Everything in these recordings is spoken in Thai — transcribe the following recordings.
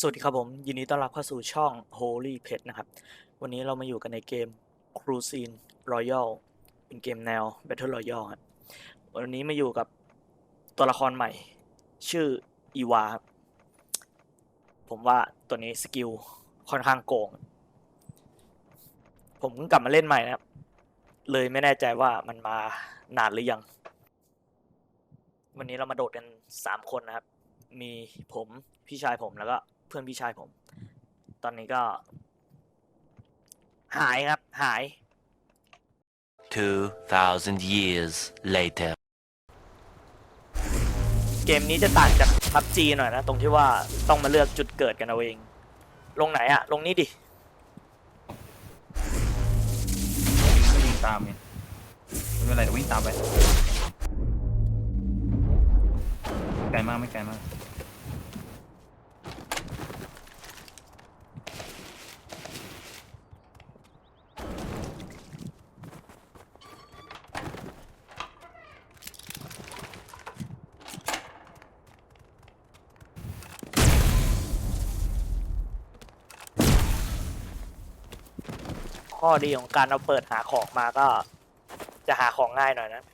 สวัสดีครับผมยินดีต้อนรับเข้าสู่ช่อง Holy Pet นะครับวันนี้เรามาอยู่กันในเกม Cruising Royale เป็นเกมแนว Battle Royale ครับวันนี้มาอยู่กับตัวละครใหม่ชื่ออีวาครับผมว่าตัวนี้สกิลค่อนข้างโกงผมเพิ่งกลับมาเล่นใหม่นะครับเลยไม่แน่ใจว่ามันมานานหรือยังวันนี้เรามาโดดกัน3คนนะครับมีผมพี่ชายผมแล้วก็เพื่อนพี่ชายผมตอนนี้ก็หายครับหาย 2,000 years later. เกมนี้จะต่างจาก PUBG หน่อยนะตรงที่ว่าต้องมาเลือกจุดเกิดกันเอาเองลงไหนอะลงนี้ดิวิ่งตามไงไม่เป็นไรเดี๋ยววิ่งตามไปไกลมากไม่ไกลมากข้อดีของการเอาเปิดหาของมาก็จะหาของง่ายหน่อยนะ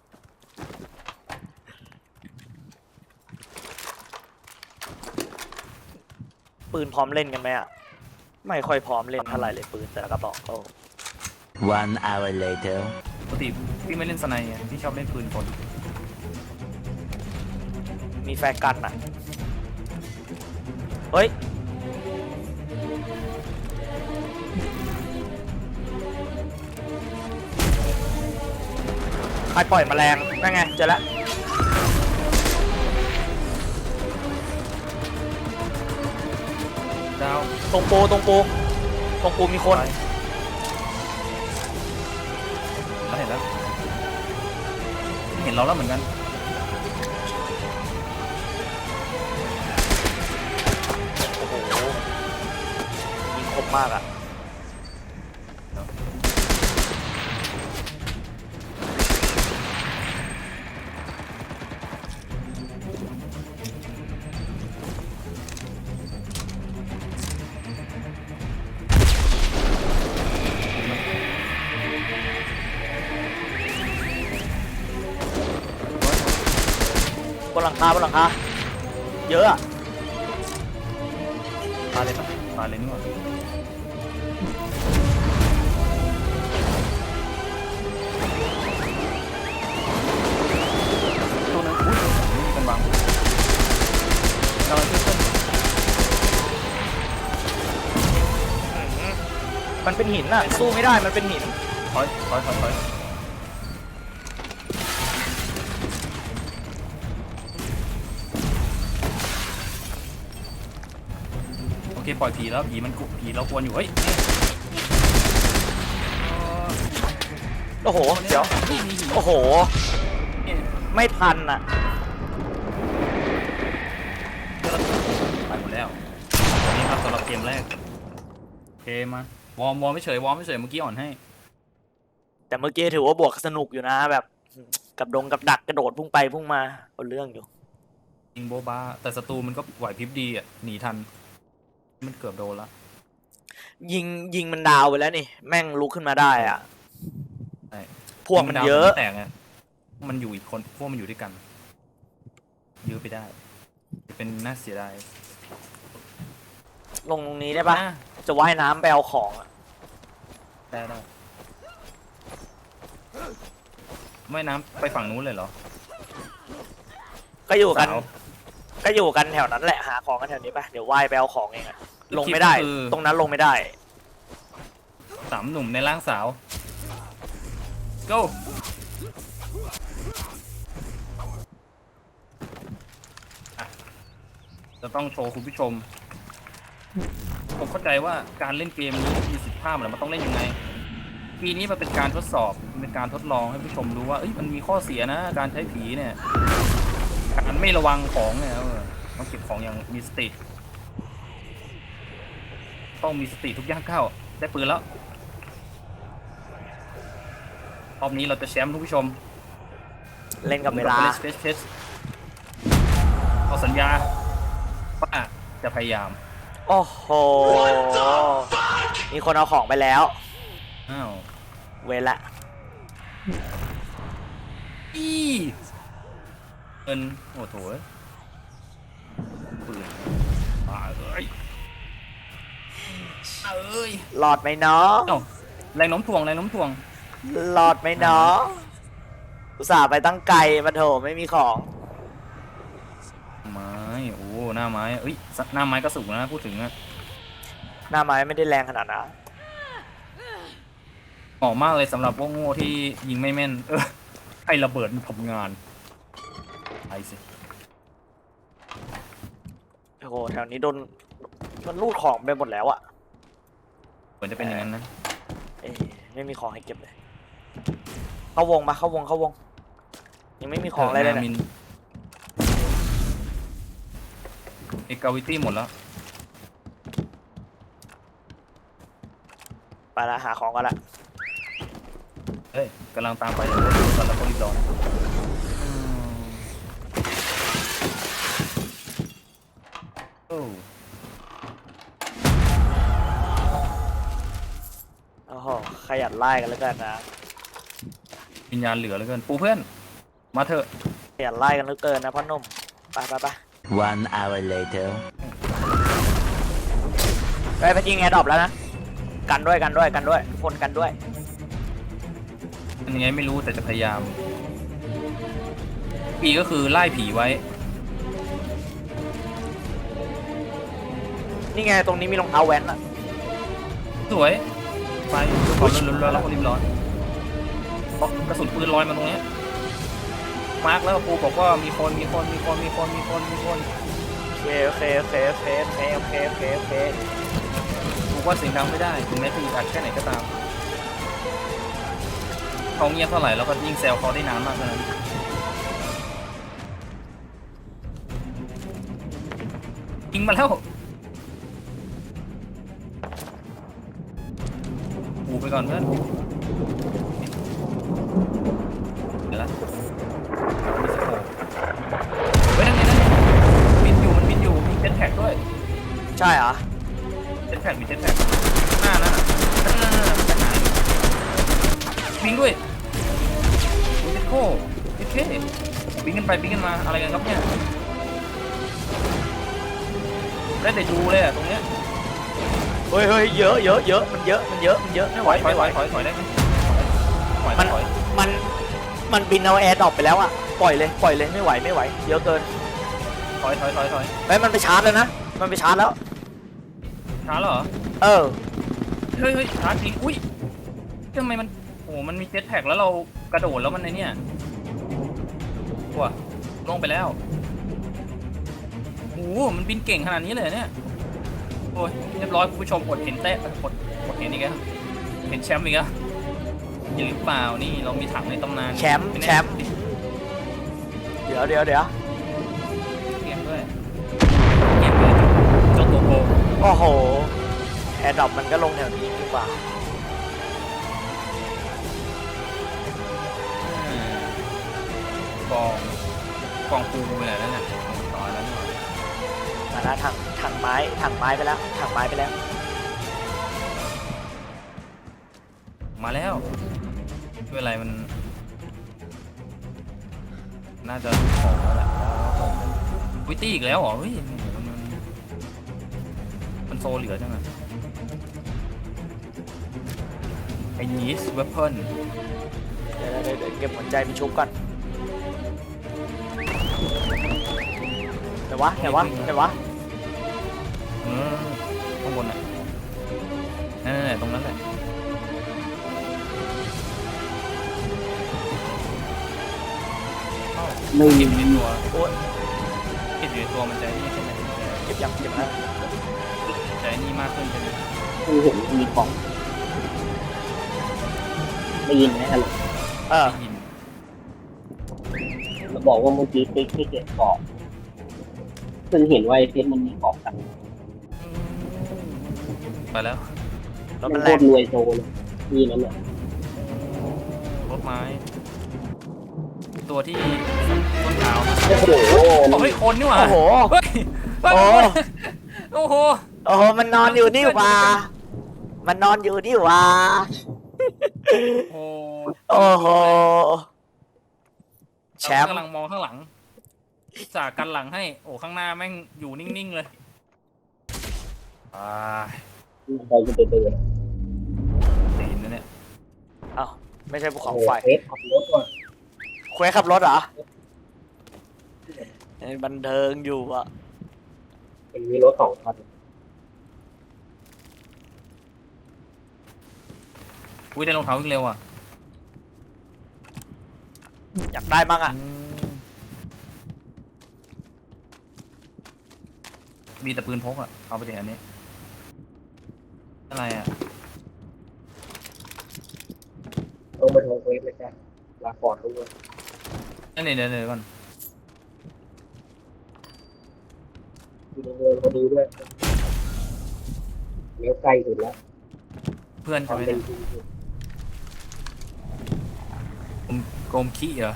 ปืนพร้อมเล่นกันไหมอะไม่ค่อยพร้อมเล่นเท่าไหร่เลยปืนแต่ละกระบอกโอ้ 1 hour later. ปกติพี่ไม่เล่นสไนด์ไงพี่ชอบเล่นปืนกลมีแฟร์กันอะเฮ้ยใครปล่อยแมลงนั่นไงเจอแล้วดาวตรงปูมีคนแล้วเห็นแล้วเห็นเราแล้วเหมือนกันโอ้โหยิงคมมากอะบนหลังคาเยอะอะตายเลยปะตายเลยนี่หว่าตัวนั้นอุ้ยนี่กันบังเราช่วยเพื่อนมันเป็นหินอะสู้ไม่ได้มันเป็นหินถอยโอเคปล่อยผีแล้วผีมันกุผีเรากวนอยู่เฮ้ยโอ้โหเดี๋ยวโอ้โหไม่ทันอะไปหมดแล้วนี่ครับสำหรับเกมแรกโอเคมาวอร์มไม่เฉยวอร์มไม่เฉยเมื่อกี้อ่อนให้แต่เมื่อกี้ถือว่าบวกสนุกอยู่นะแบบกับดักกระโดดพุ่งไปพุ่งมาเอาเรื่องอยู่ยิงโบบ้าแต่ศัตรูมันก็ไหวพริบดีอ่ะหนีทันมันเกือบโดนละยิงมันดาวไปแล้วนี่แม่งลุกขึ้นมาได้อ่ะใช่พวกมันเยอะแต่ไงมันอยู่อีกคนพวกมันอยู่ด้วยกันยื้อไปได้เป็นน่าเสียดายลงตรงนี้ได้ปะจะว่ายน้ำไปเอาของอะได้ไม่น้ำไปฝั่งนู้นเลยเหรอก็อยู่กันสาวแถวนั้นแหละหาของกันแถวนี้ปะเดี๋ยวว่ายไปเอาของเองอะลงไม่ได้ ตรงนั้นลงไม่ได้สามหนุ่มในร่างสาว go จะต้องโชว์คุณผู้ชมผมเข้าใจว่าการเล่นเกมนี้มีสิทธิภาพอะไรมันต้องเล่นยังไงปีนี้มันเป็นการทดสอบเป็นการทดลองให้ผู้ชมรู้ว่ามันมีข้อเสียนะการใช้ผีเนี่ยการไม่ระวังของเนี่ยต้องเก็บของอย่างมีสติต้องมีสติทุกย่างก้าวได้ปืนแล้วรอบนี้เราจะแชมป์ทุกผู้ชมเล่นกับเวลาเอาสัญญาว่าจะพยายามโโอ้โห มีคนเอาของไปแล้วอ้าวเวละอีเงินโอ้โถปืนป่าเอ้ยเอ้ยหลอดไหมน้องเอ้าแรงโน้มถ่วงแรงโน้มถ่วงหลอดไหมน้อง อุตส่าห์ไปตั้งไกลมาโถไม่มีของไม้โอ้หน้าไม้เอ้ยหน้าไม้ก็สูงนะพูดถึงอะหน้าไม้ไม่ได้แรงขนาดนั้นเหมาะมากเลยสำหรับพวกโง่ที่ยิงไม่แม่นให้ระเบิดมันทำงานไปสิโอ้โห แถวนี้โดน มันรูดของไปหมดแล้วอะเหมือนจะเป็นอย่างนั้นนะเอ้ยไม่มีของให้เก็บเลย เข้าวงมาเข้าวงเข้าวง ยังไม่มีของอะไรเลยเนี่ยเอกาวิตี้หมดแล้วไปละหาของกันละเฮ้ยกำลังตามไปเลยตอนแล้วก็รีบร้อนโอ้โอ้โห ขยันไล่กันแล้วกันนะวิญญาณเหลือเหลือเกินปูเพื่อนมาเถอะขยันไล่กันเหลือเกินนะพ่อหนุ่ม ไปไปไป 1 hour later. ไปยิงแอร์ดรอปแล้วนะ กันด้วยกันด้วยกันด้วยทุกคนกันด้วยเป็นยังไงไม่รู้แต่จะพยายามผีก็คือไล่ผีไว้นี่ไงตรงนี้มีรองเท้าแว้นอะสวยไปความร้อนแล้วก็รีบร้อนเพราะกระสุนปืนลอยมาตรงเนี้ยมาร์กแล้วปูบอกว่ามีคนโอเคโอเคโอเคโอเคโอเคโอเคโอเคโอเคปูว่าเสียงดังไม่ได้ถึงแม้จะอึดอัดแค่ไหนก็ตามเขาเงียบเท่าไหร่เราก็ยิ่งแซวเขาได้นานมากเท่านั้นยิงมาแล้วปูไปก่อนเพื่อนเดี๋ยวละมีสโคปเฮ้ยนั่นไงบินอยู่มันบินอยู่มีเจ็ตแท็กด้วยใช่เหรอเจ็ตแท็กมีเจ็ตแท็กหน้านั่นน่ะจะหายวิ่งด้วยโอ้ยโค้โอเควิ่งกันไปวิ่งกันมาอะไรกันครับเนี่ยได้แต่ดูเลยอะตรงเนี้ยเฮ้ยเฮ้ยเยอะเยอะเยอะมันเยอะมันเยอะมันเยอะไม่ไหวถอยไม่ไหวถอยได้ไหมถอยมันถอยมันมันบินเอาแอร์ดรอปไปแล้วอะปล่อยเลยไม่ไหวไม่ไหวเยอะเกินถอยเฮ้ยมันไปชาร์จแล้วนะมันไปชาร์จแล้วช้าเหรอเออเฮ้ยช้าจริงอุ้ยทำไมมันโอ้มันมีเจ็ตแท็กแล้วเรากระโดดแล้วมันในเนี่ยว้าลงไปแล้วโอ้มันบินเก่งขนาดนี้เลยเนี่ยโอ้ยเรียบร้อยคุณผู้ชมอดเห็นอดเห็นอีกแล้วเห็นแชมป์อีกแล้วยังหรือเปล่านี่เรามีถังในตำนานแชมป์ไน่แชมป์ เดี๋ยวเกมด้วยเกมด้วยเจ้าตัวโกงโอ้โหแอร์ดรอปมันก็ลงแถวนี้ดีกว่ากองปูไปไหนแล้วเนี่ยต่อแล้วนี่มาแล้วถังไม้ไปแล้วถังไม้ไปแล้วมาแล้วไม่เป็นไรมันน่าจะของแล้วแหละวิตี้อีกแล้วเหรอเฮ้ยมันโซเหลือจังอะไอ้นีสเวปเปิลเดี๋ยวเก็บหัวใจไปชุบก่อนไหนวะข้างบนน่ะนั่นตรงนั้นแหละไม่เก็บอยู่ในตัวโอ้ยเก็บอยู่ในตัวมันใจนี่ใช่ไหมเก็บแล้วใจนี่มากขึ้นใช่ไหมคือเห็นมีของได้ยินไหมฮัลโหลเออได้ยินเราบอกว่าเมื่อกี้ติ๊กที่เก็บกรอบซึ่งเห็นว่าไอ้เพชรมันมีกรอบกันไปแล้วแล้วมัมัน นโคแรงตรรวยโซเลยนี่นั่นแหละรถไม้ตัวที่ต้นเท้าโอ้โหเฮ้ยคนนี่หว่าโอ้โหเฮ้ยโอ้โอ้โหโอ้โหมันนอนอยู่นี่หว่ามันนอนอยู่นี่หว่าโอ้โอ้โหแชมป์กำลังมองข้างหลังจากกันหลังให้ โอ้ข้างหน้าแม่งอยู่นิ่งๆเลยอ่าไปจะไปเดินตีนนะเนี่ยเอ้าไม่ใช่ภูเขาไฟเฟสขับรถก่อนเควสขับรถเหรอบันเทิงอยู่อ่ะมันมีรถ2 คันอุ้ยได้รองเท้าวิ่งเร็วอ่ะอยากได้มั้งอ่ะมีแต่ปืนพกอ่ะเอาไปเดี๋ยวอันนี้อะไรอ่ะต้องไปทำเฟสเลยจ้ะลาก่อนด้วยนั่นเดี๋ยวก่อนอยู่ในเมืองพอดีด้วยเลี้ยวใกล้สุดแล้วเพื่อนใช่ไหมทำเป็เนี่นยจริงโกมขี้เหรอ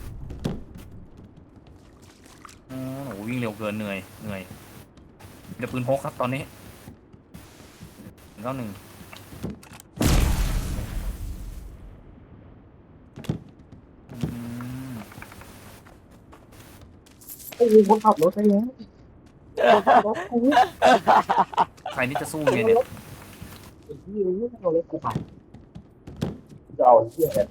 อ๋อโหวิ่งเร็วเกินเหนื่อยเดี๋ยวปืนพกครับตอนนี้191 ไอ้ยิงคนขับรถไปแล้วรถกูใครนี่จะสู้ไงเนี่ยไอ้ที่นี่เอารถกูไปจะเอาเที่ยอะไร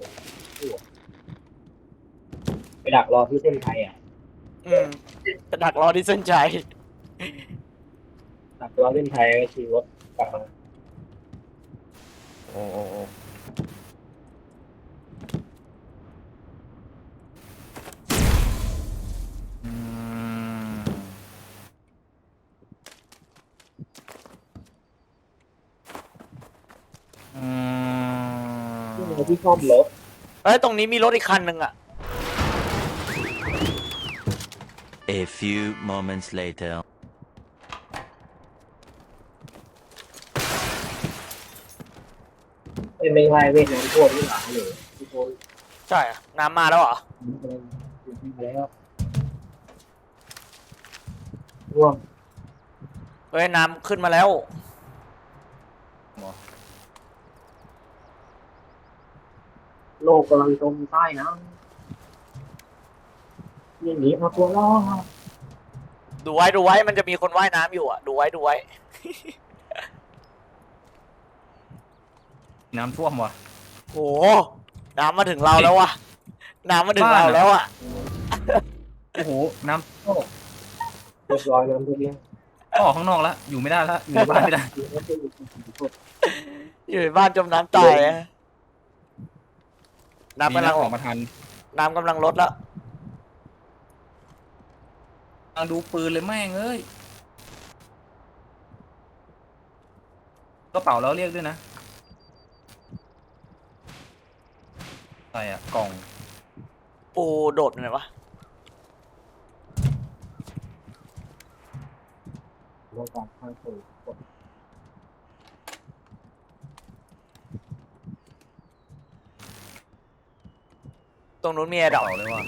ไปดักรอที่เส้นชัยอ่ะจะดักรอที่เส้นชัยดักรอเส้นชัยก็ขี่รถกลับมาโอ้อืมที่ชอบรถเฮ้ยตรงนี้มีรถอีกคันหนึ่งอ่ะ A few moments later. ไม่ใช่เวียดนามทั่วที่หลังเลยทุกคนใช่อะน้ำมาแล้วเหรอมาแล้วร่วมเฮ้ยน้ำขึ้นมาแล้วโลกกำลังจมใต้น้ำอย่างนี้เอาตัวรอดดูไว้มันจะมีคนว่ายน้ำอยู่อ่ะดูไว้น้ำท่วมว่ะโอ้โหน้ำมาถึงเราแล้ววะน้ำมาถึงเราแล้วอ่ะโอ้โห น้ำท่วมเรียบร้อยน้ำทุกเรื่องออกข้างนอกแล้ว อยู่ไม่ได้แล้ว อยู่ในบ้านไม่ได้อยู่ในบ้านจมน้ำตายอะน้ำมีกำลังออกมาทันน้ำกำลังลดแล้วกำลังดูปืนเลยแม่งเอ้ยกระเป๋าแล้วเรียกด้วยนะอะไรอ่ะ กล่องปูโดดไปไหนวะโลกการข้างสูงตรงนู้นมีกไอ้ระดอกเป๋าเลยว่ะ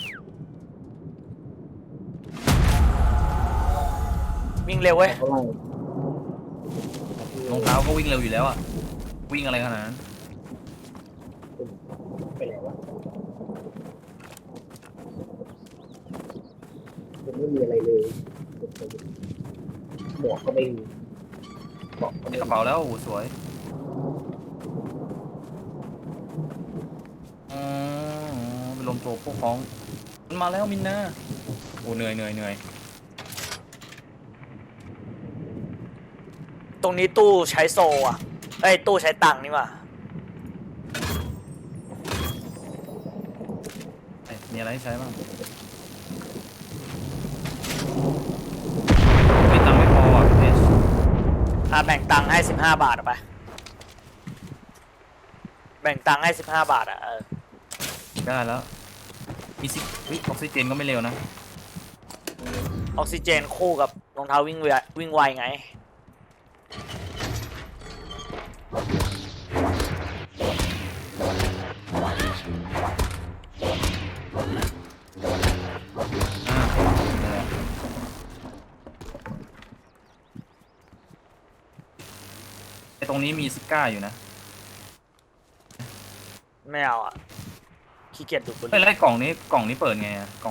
วิ่งเร็วเว้ยเท่าไหร่รองเท้าก็วิ่งเร็วอยู่แล้วอ่ะ วิ่งอะไรขนาดนั้นไปไหนวะมันไม่มีอะไรเลยหมวกก็ไม่มีเกาะก็ในไม่กระมีเป๋าแล้วโอ้โหสวยอ๋อเป็นลมโจพวกของมันมาแล้วมินนาโอ้เหนื่อยตรงนี้ตู้ใช้โซอ่ะเอ้ยตู้ใช้ตังค์นี่ว่ะมีอะไรให้ใช้บ้างมีตังค์ไม่พออ่ะเพชรแบ่งตังค์ให้15 บาทเอาไปแบ่งตังค์ให้15 บาทอ่ะได้แล้วมีซิวิออกซิเจนก็ไม่เร็วนะออกซิเจนคู่กับรองเท้าวิ่งไวไงอ่ารงนี้มีซิก้าอยู่นะไม่เอาอ่ะขี้เกียจดูดบุหเฮ้ยรี่แล้วไอ้กล่องนี้เปิดไงอะกล่อง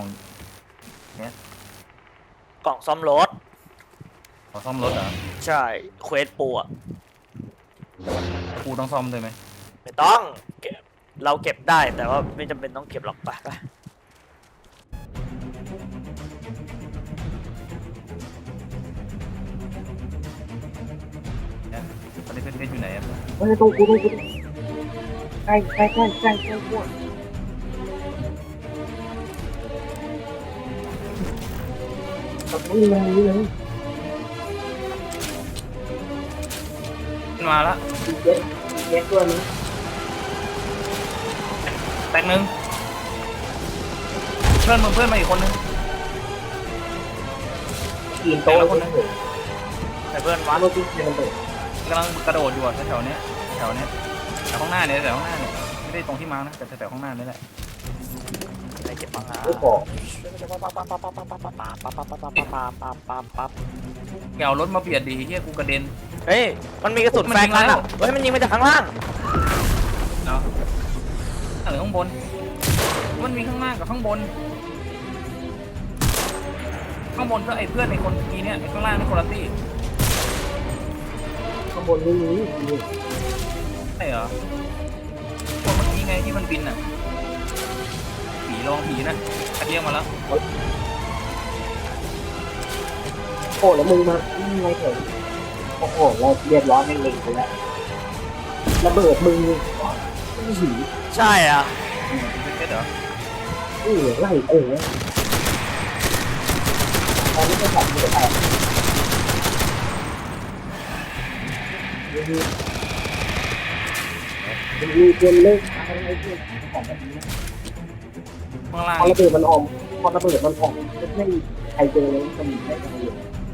กล่องซ่อมรถขอซ่อมรถเหรอใช่เควสปูอ่ะกูต้องซ่อมด้วยไหมไม่ต้องเก็บเราเก็บได้แต่ว่าไม่จำเป็นต้องเก็บหรอกไปเนี่ยตอนนี้เพชรอยู่ไหนอะเฮ้ยต้องกูใกล้พวกตรงนี้เลยขึ้นมาละเจ็ดตัวนี้แตกหนึ่งเพื่อนมาอีกคนนึงกินโต๊ะคนนึงแต่เพื่อนวัมาดโรตีเทียนเลยกำลังกระโดดอยู่อะแถวๆเนี้ยแถวข้างหน้าเนี่ยไม่ได้ตรงที่มาร์คนะแต่แถวข้างหน้านี่แหละอะไรเก็บปังงาไม่พออย่าเอารถมาเบียดดีเฮียกูกระเด็นเฮ้ยมันมีกระสุนแฟร์กันอ่ะเฮ้ยมันยิงมาจากข้างล่างเนาะหรือข้างบนมันมีข้างล่างกับข้างบนก็ไอ้เพื่อนไอ้คนเมื่อกี้เนี่ยไอ้ข้างล่างนี่คนละตี้ข้างบนนี่มีใช่เหรอคนเมื่อกี้ไงที่มันบินอ่ะผีนะเรียกมาแล้วโอ้แล้วมึงมาไงเถอะโอ้โหเราเรียบร้อยแม่งเล็งไปแล้วระเบิดมึงหีใช่อ่ะเป็นเพชรเหรอไล่ตอนนี้ก็สั่งไม่ได้มีเกินเลิกอะไรเพื่อนของแบบนี้ข้างล่างพอระเบิดมันออกไม่มีใครเจอเลยมันไม่ทำเลย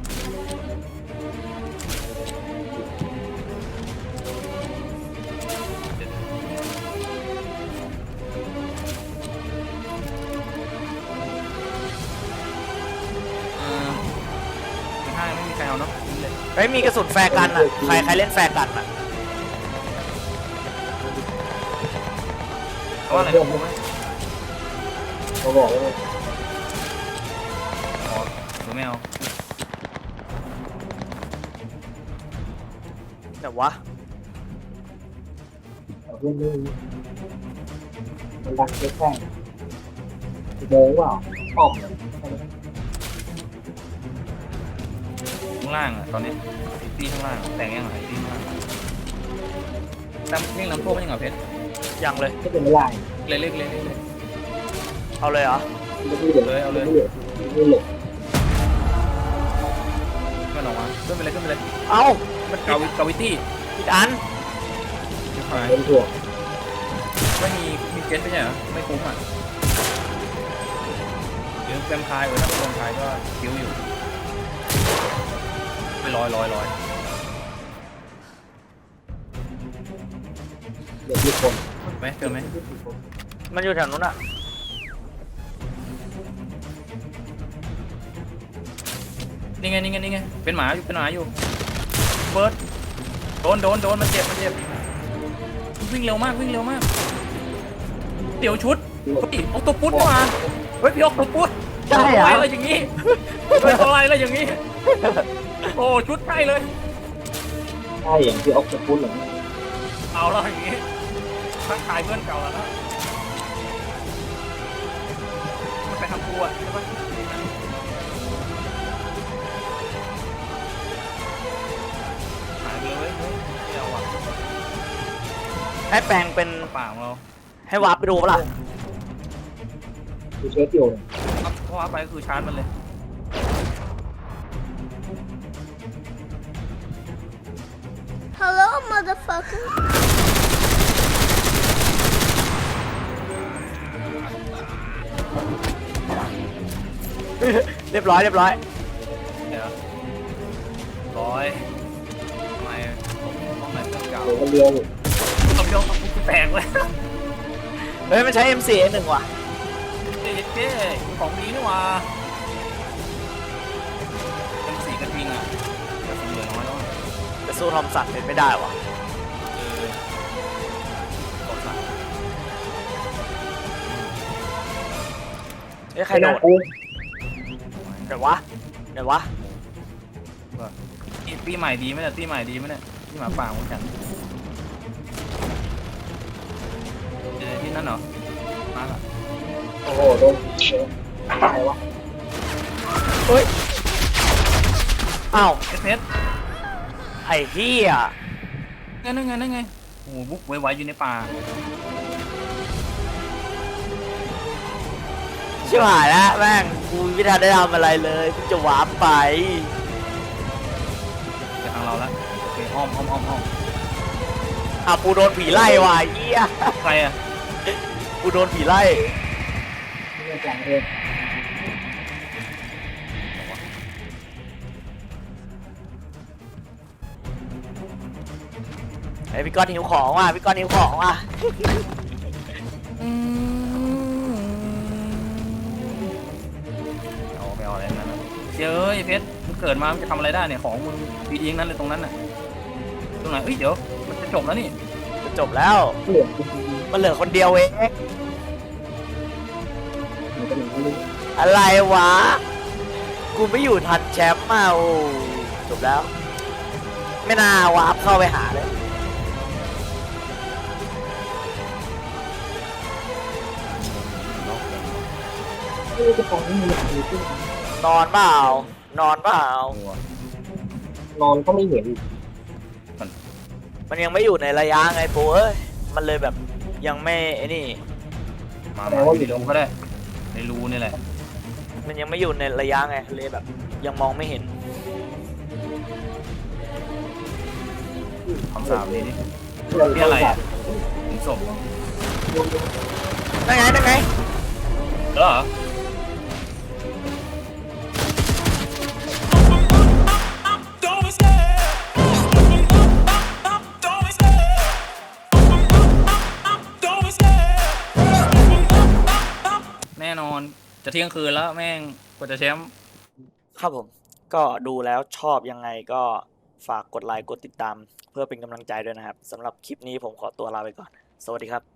ไม่มีใครเอาเนาะเลยเฮ้ยมีกระสุนแฟร์กันอ่ะใครเล่นแฟร์กันอ่ะเพราะอะไรนะกูไม่เขาบอกว่าขอหรือไม่เอาแต่วะเพื่อนมันดังแค่โมงเปล่าออกข้างล่างอ่ะตอนนี้ไอ้ตีข้างล่างแต่งยังไงไอ้ตีข้างล่างตั้มเร่งลำโพงยังไงเพชรยังเลยไม่เป็นไรเล็กเอาเลยเหรอไม่เหลือไม่เหลือมันออกมาขึ้นไปเลยเอ้ามันกาวิตี้ผิดอันเป็นถั่วไม่มีเจ็ตไม่ใช่เหรอไม่คุ้มอ่ะเดี๋ยวแวมไพร์ถ้าเป็นแวมไพร์ก็คิ้วอยู่ไปลอยเด็กญี่ปุ่นไหมเจอไหมมันอยู่แถวนู้นอ่ะนี่ไงเป็นหมาอยู่เบิร์ดโดนมันเจ็บวิ่งเร็วมากเดี๋ยวชุดเฮ้ยออกตัวปุ๊ดมาเฮ้ยพี่ออกตัวปุ๊ดใช่เหรออะไรอย่างงี้เป็นอะไรอย่างงี้โอ้ชุดใช่เลยใช่อย่างที่ออกจะพูดหรือเอาแล้วอย่างงี้ทักทายเพื่อนเก่าแล้วนะมันไปทำกูอ่ะใช่ปะหายไปเลยเฮ้ยไม่เอาอ่ะให้แปลงเป็นปากของเราให้วาร์ปไปดูปะล่ะกูเช็คอยู่เพราะว่าไปคือชาร์จมันเลย Hello, motherfucker. เรียบร้อยเดี๋ยวร้อยทำไมต้องไหนเพื่อนเก่าเดี๋ยวก็เลี้ยวต้องยกต้องกูแตกเลยเฮ้ยมันใช้ M4A1 ว่ะเจ๊ของดีนี่หว่าเป็นสีกระทิงอ่ะแต่สีเหลืองน้อยแล้วไปสู้ทอมสันเป็นไม่ได้ว่ะเอ้ยใครไอ้โดนะดกูไหนวะไหนวะตีใหม่ดีไหมเนี่ยตีใหม่ดีไหมเนี่ยที่หมาป่าของฉันที่นั่นเหรอมาละโอ้โหโดนอะไรวะเฮ้ยอ้าวเพชรไอ้เหี้ยนั่นไงโอ้โหบุ๊กไวๆอยู่ในป่าชิบหายแล้วแม่งกูไม่ทันได้ทำอะไรเลยกูจะวาร์ปไปไปทางเราแล้วโอเคอ้อมอ่ะกูโดนผีไล่ว่ะไอ้เหี้ยใครอ่ะกูโดนผีไล่ไม่ได้จังเลยไอ้พี่ก้อนหิวของว่ะพี่ก้อนหิวของว่ะเอาไปเอาอะไรนั่นนะเจ้ยเพชรมึงเกิดมามึงจะทำอะไรได้เนี่ยของมึงดีๆทั้งนั้นเลยตรงนั้นน่ะตรงไหนเอ้ยเดี๋ยวมันจะจบแล้วนี่จะจบแล้วเหลือกูมันเหลือคนเดียวเองมันจะหนีไม่รู้อะไรวะ กูไม่อยู่ทันแชมป์มาโอ้จบแล้ว ไม่น่าวาร์ปเข้าไปหาเลยไม่รู้จะฟังนี่มันมีขึ้นนอนเปล่านอนเปล่านอนก็ไม่เห็นมันยังไม่อยู่ในระยะไงปูเอ้ย มันเลยแบบยังไม่ไอ้นี่มาอยู่ในรูก็ได้ในรูนี่แหละมันยังไม่อยู่ในระยะไงเลยแบบ ยังมองไม่เห็นคำสาปนี้นี่เรื่องนี่อะไรอ่ะถึงศพนั่นไงนั่นไงเหรอ แน่นอนจะเที่ยงคืนแล้วแม่งกว่าจะแชมป์ครับผม ก็ดูแล้วชอบยังไงก็ฝากกดไลค์กดติดตาม เพื่อเป็นกำลังใจด้วยนะครับสำหรับคลิปนี้ผมขอตัวลาไปก่อน สวัสดีครับ